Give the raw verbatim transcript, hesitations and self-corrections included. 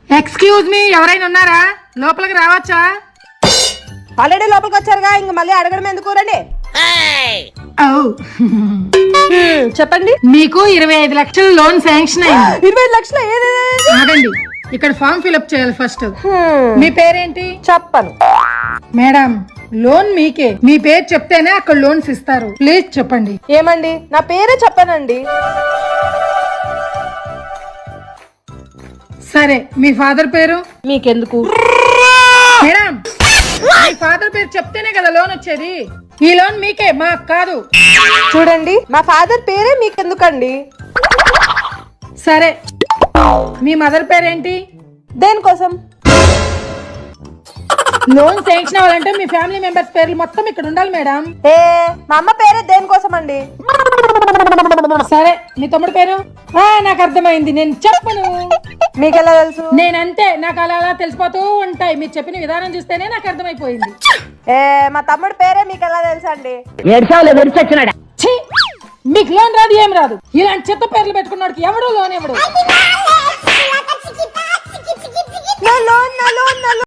Excuse me, ఎవరైనా ఉన్నారా? లోపలికి రావచ్చా? ఆల్రెడీ లోపలికి వచ్చారుగా, ఇంక మళ్ళీ అడగడం ఎందుకు? రండి. చెప్పండి. మీకు ఇరవై ఐదు లక్షల లోన్ శాంక్షన్ అయింది. ఇరవై ఐదు లక్షలు? ఆగండి, ఇక్కడ ఫామ్ ఫిల్అప్ చేయాలి ఫస్ట్. మీ పేరేంటి? చెప్పను. మేడం, లోన్ మీకే. మీ పేరు చెప్తేనే అక్కడ లోన్స్ ఇస్తారు. ప్లీజ్ చెప్పండి. ఏమండి, నా పేరే చెప్పానండి. సరే, మీ ఫాదర్ పేరు? మీకెందుకు? మేడం, మీ ఫాదర్ పేరు చెప్తేనే కదా లోన్ వచ్చేది. ఈ లోన్ మీకే, మాకు కాదు. చూడండి, మా ఫాదర్ పేరే మీకెందుకండి? సరే, మీ మదర్ పేరేంటి? దేనికోసం? లోన్ శాంక్షన్ అవ్వాలంటే మీ ఫ్యామిలీ మెంబర్స్ పేర్లు మొత్తం ఇక్కడ ఉండాలి మేడం. ఏ మా అమ్మ పేరే దేనికోసం అండి? సరే, మీ తమ్ముడు పేరు? ఆ, నాకు అర్థమైంది, నేను చెప్పను. మీకెలా తెలుసు? నేనంతే, నాకు అలా అలా తెలిసిపోతూ ఉంటాయి. మీరు చెప్పిన విధానం చూస్తేనే నాకు అర్థమైపోయింది. ఏ మా తమ్ముడు పేరే మీకెలా తెలుసు అండి? ఛీ, మీకు లోన్ రాదు, ఏం రాదు. ఇలాంటి చెత్త పేర్లు పెట్టుకున్నాడు ఎవడు లోన్ ఎవడు?